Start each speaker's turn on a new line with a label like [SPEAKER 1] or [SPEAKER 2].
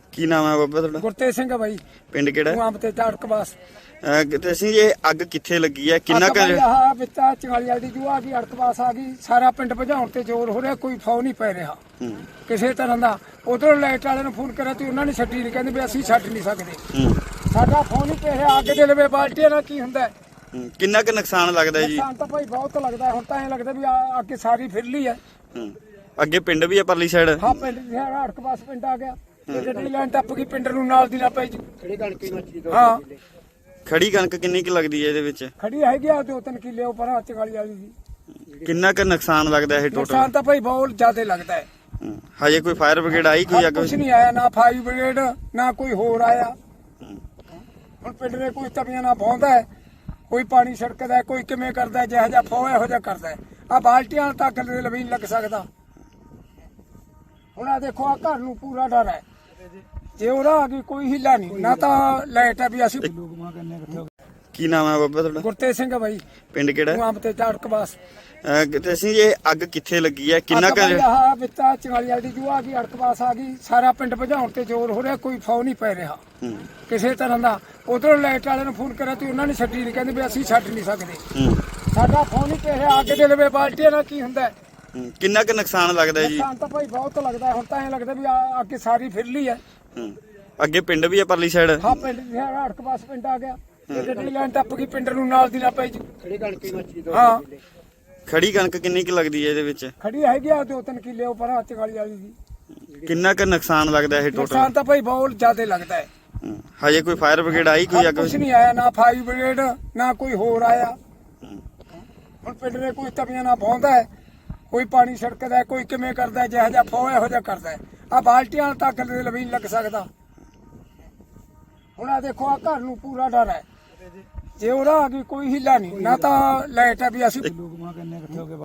[SPEAKER 1] ਕੀ ਨਾਮ ਹੈ ਬਾਬਾ ਤੁਹਾਡਾ?
[SPEAKER 2] ਗੁਰਤੇਜ ਸਿੰਘ ਬਾਈ।
[SPEAKER 1] ਪਿੰਡ ਕਿਹੜਾ?
[SPEAKER 2] ਆਮ ਤੇ ਝਾੜਕਬਾਸ।
[SPEAKER 1] ਤੇ ਅਸੀਂ ਇਹ ਅੱਗ ਕਿੱਥੇ ਲੱਗੀ ਹੈ, ਕਿੰਨਾ ਕੁ?
[SPEAKER 2] ਆਹ ਵਿੱਚਾ ਚੰਗਾਲੀ ਵਾਲੀ ਦੀ ਜੂ ਆ ਗਈ, ਅੜਕਬਾਸ ਆ ਗਈ, ਸਾਰਾ ਪਿੰਡ ਭਜਾਉਣ ਤੇ ਜ਼ੋਰ ਹੋ ਰਿਹਾ, ਕੋਈ ਫੌ ਨਹੀਂ ਪੈ ਰਿਹਾ ਕਿਸੇ ਤਰ੍ਹਾਂ ਦਾ। ਉਧਰੋਂ ਲਾਈਟ ਵਾਲਿਆਂ ਨੂੰ ਫੋਨ ਕਰਿਆ ਤੇ ਉਹਨਾਂ ਨੇ ਛੱਡੀ ਨਹੀਂ, ਕਹਿੰਦੇ ਵੀ ਅਸੀਂ ਛੱਡ ਨਹੀਂ ਸਕਦੇ। ਸਾਡਾ ਫੌ ਨਹੀਂ ਪੈ ਰਿਹਾ, ਅੱਗ ਦੇ ਲਵੇ ਬਾਲਟੀਆਂ ਨਾਲ ਕੀ ਹੁੰਦਾ।
[SPEAKER 1] ਕਿੰਨਾ ਕੁ ਨੁਕਸਾਨ ਲੱਗਦਾ ਜੀ?
[SPEAKER 2] ਨੁਕਸਾਨ ਤਾਂ ਭਾਈ ਬਹੁਤ ਲੱਗਦਾ। ਹੁਣ ਤਾਂ ਐਂ ਲੱਗਦਾ ਵੀ ਅੱਗੇ ਸਾਰੀ ਫਿਰ ਲਈ ਹੈ।
[SPEAKER 1] ਅੱਗੇ ਪਿੰਡ ਵੀ ਹੈ ਪਰਲੀ ਸਾਈਡ?
[SPEAKER 2] ਹਾਂ, ਪਿੰਡ ਦੀ ਅੜਕਬਾਸ ਪਿੰਡ ਆ ਗਿਆ। ਗੱਡੀ ਲਾਈਨ ਟੱਪ ਗਈ, ਪਿੰਡ ਨੂੰ ਨਾਲ ਦੀ ਨਾ ਪਈ। ਹਾਂ,
[SPEAKER 1] ਖੜੀ ਕਣਕ ਕਿੰਨੀ ਕੁ ਲੱਗਦੀ ਹੈ ਇਹਦੇ ਵਿੱਚ?
[SPEAKER 2] ਖੜੀ ਹੈਗੀ ਆ 2-3 ਕਿੱਲੇ ਉੱਪਰ ਚੰਗਾਲੀ ਵਾਲੀ ਦੀ।
[SPEAKER 1] ਕਿੰਨਾ ਕੁ ਨੁਕਸਾਨ ਲੱਗਦਾ ਇਹ ਟੋਟਲ?
[SPEAKER 2] ਨੁਕਸਾਨ ਤਾਂ ਭਾਈ ਬਹੁਤ ਜ਼ਿਆਦਾ ਲੱਗਦਾ ਹੈ।
[SPEAKER 1] ਹਜੇ ਕੋਈ ਫਾਇਰ ਬ੍ਰਿਗੇਡ ਆਈ? ਕੋਈ ਅੱਗ
[SPEAKER 2] ਕੁਛ ਨਹੀਂ ਆਇਆ, ਨਾ ਫਾਇਰ ਬ੍ਰਿਗੇਡ ਨਾ ਕੋਈ ਹੋਰ ਆਇਆ। ਹੁਣ ਪਿੰਡ ਦੇ ਕੋਈ ਤਵੀਆਂ ਨਾ ਪਾਉਂਦਾ ਹੈ, ਕੋਈ ਪਾਣੀ ਛਿੜਕਦਾ, ਕੋਈ ਕਿਵੇਂ ਕਰਦਾ, ਜਿਹੋ ਜਿਹਾ ਫੋ ਇਹੋ ਜਿਹਾ ਕਰਦਾ। ਆ ਬਾਲਟੀਆਂ ਨਾਲ ਤਾਂ ਅੱਗ ਦੇ ਲਵੀ ਨਹੀਂ ਲੱਗ ਸਕਦਾ। ਹੁਣ ਆ ਦੇਖੋ, ਆ ਘਰ ਨੂੰ ਪੂਰਾ ਡਰ ਹੈ। ਜੇ ਉਹਦਾ ਆ ਗਈ ਕੋਈ ਹਿੱਲਾ ਨਹੀਂ, ਨਾ ਤਾਂ ਲਾਈਟ ਹੈ ਵੀ ਅਸੀਂ।
[SPEAKER 1] ਕੀ ਨਾਮ ਹੈ ਬਾਬਾ ਤੁਹਾਡਾ?
[SPEAKER 2] ਗੁਰਤੇਜ ਸਿੰਘ ਬਾਈ।
[SPEAKER 1] ਪਿੰਡ ਕਿਹੜਾ?
[SPEAKER 2] ਆਮ ਤੇ ਝਾੜਕਬਾਸ।
[SPEAKER 1] ਤੇ ਅਸੀਂ ਇਹ ਅੱਗ ਕਿੱਥੇ ਲੱਗੀ ਹੈ, ਕਿੰਨਾ ਕੁ?
[SPEAKER 2] ਆਹ ਵਿੱਚਾ ਚੰਗਾਲੀ ਵਾਲੀ ਦੀ ਜੂ ਆ ਗਈ, ਅੜਕਬਾਸ ਆ ਗਈ, ਸਾਰਾ ਪਿੰਡ ਭਜਾਉਣ ਤੇ ਜ਼ੋਰ ਹੋ ਰਿਹਾ, ਕੋਈ ਫੌ ਨਹੀਂ ਪੈ ਰਿਹਾ ਕਿਸੇ ਤਰ੍ਹਾਂ ਦਾ। ਉਧਰੋਂ ਲਾਈਟ ਵਾਲਿਆਂ ਨੂੰ ਫੋਨ ਕਰਿਆ ਤੇ ਉਹਨਾਂ ਨੇ ਛੱਡੀ ਨਹੀਂ, ਕਹਿੰਦੇ ਵੀ ਅਸੀਂ ਛੱਡ ਨਹੀਂ ਸਕਦੇ। ਸਾਡਾ ਫੌ ਨਹੀਂ ਪੈ ਰਿਹਾ, ਅੱਗ ਦੇ ਲਵੇ ਬਾਲਟੀਆਂ ਨਾਲ ਕੀ ਹੁੰਦਾ।
[SPEAKER 1] ਕਿੰਨਾ ਕੁ ਨੁਕਸਾਨ ਲੱਗਦਾ ਜੀ?
[SPEAKER 2] ਨੁਕਸਾਨ ਤਾਂ ਭਾਈ ਬਹੁਤ ਲੱਗਦਾ। ਹੁਣ ਤਾਂ ਐਂ ਲੱਗਦਾ ਵੀ ਅੱਗੇ ਸਾਰੀ ਫਿਰ ਲਈ ਹੈ।
[SPEAKER 1] ਅੱਗੇ ਪਿੰਡ ਵੀ ਹੈ ਪਰਲੀ ਸਾਈਡ?
[SPEAKER 2] ਹਾਂ, ਪਿੰਡ ਦੀ ਅੜਕਬਾਸ ਪਿੰਡ ਆ ਗਿਆ। ਗੱਡੀ ਲਾਈਨ ਟੱਪ ਗਈ, ਪਿੰਡ ਨੂੰ ਨਾਲ ਦੀ ਨਾ ਪਈ। ਹਾਂ,
[SPEAKER 1] ਖੜੀ ਕਣਕ ਕਿੰਨੀ ਕੁ ਲੱਗਦੀ ਹੈ ਇਹਦੇ ਵਿੱਚ?
[SPEAKER 2] ਖੜੀ ਹੈਗੀ ਆ 2-3 ਕਿੱਲੇ ਉੱਪਰ ਚੰਗਾਲੀ ਵਾਲੀ ਦੀ।
[SPEAKER 1] ਕਿੰਨਾ ਕੁ ਨੁਕਸਾਨ ਲੱਗਦਾ ਇਹ ਟੋਟਲ?
[SPEAKER 2] ਨੁਕਸਾਨ ਤਾਂ ਭਾਈ ਬਹੁਤ ਜ਼ਿਆਦਾ ਲੱਗਦਾ ਹੈ।
[SPEAKER 1] ਹਜੇ ਕੋਈ ਫਾਇਰ ਬ੍ਰਿਗੇਡ ਆਈ? ਕੋਈ ਅੱਗ?
[SPEAKER 2] ਕੁਛ ਨਹੀਂ ਆਇਆ, ਨਾ ਫਾਇਰ ਬ੍ਰਿਗੇਡ ਨਾ ਕੋਈ ਹੋਰ ਆਇਆ। ਹੁਣ ਪਿੰਡ ਦੇ ਕੋਈ ਤਵੀਆਂ ਨਾ ਪਾਉਂਦਾ ਹੈ, ਕੋਈ ਪਾਣੀ ਛਿੜਕਦਾ, ਕੋਈ ਕਿਵੇਂ ਕਰਦਾ, ਜਿਹੋ ਜਿਹਾ ਫੋ ਇਹੋ ਜਿਹਾ ਕਰਦਾ। ਆ ਬਾਲਟੀਆਂ ਨਾਲ ਤਾਂ ਅੱਗ ਦੇ ਲਵੀ ਨਹੀਂ ਲੱਗ ਸਕਦਾ। ਹੁਣ ਆ ਦੇਖੋ, ਆ ਘਰ ਨੂੰ ਪੂਰਾ ਡਰ ਹੈ। ਜੇ ਉਹਦਾ ਆ ਗਈ ਕੋਈ ਹਿੱਲਾ ਨਹੀਂ, ਨਾ ਤਾਂ ਲਾਈਟ ਹੈ ਵੀ ਅਸੀਂ।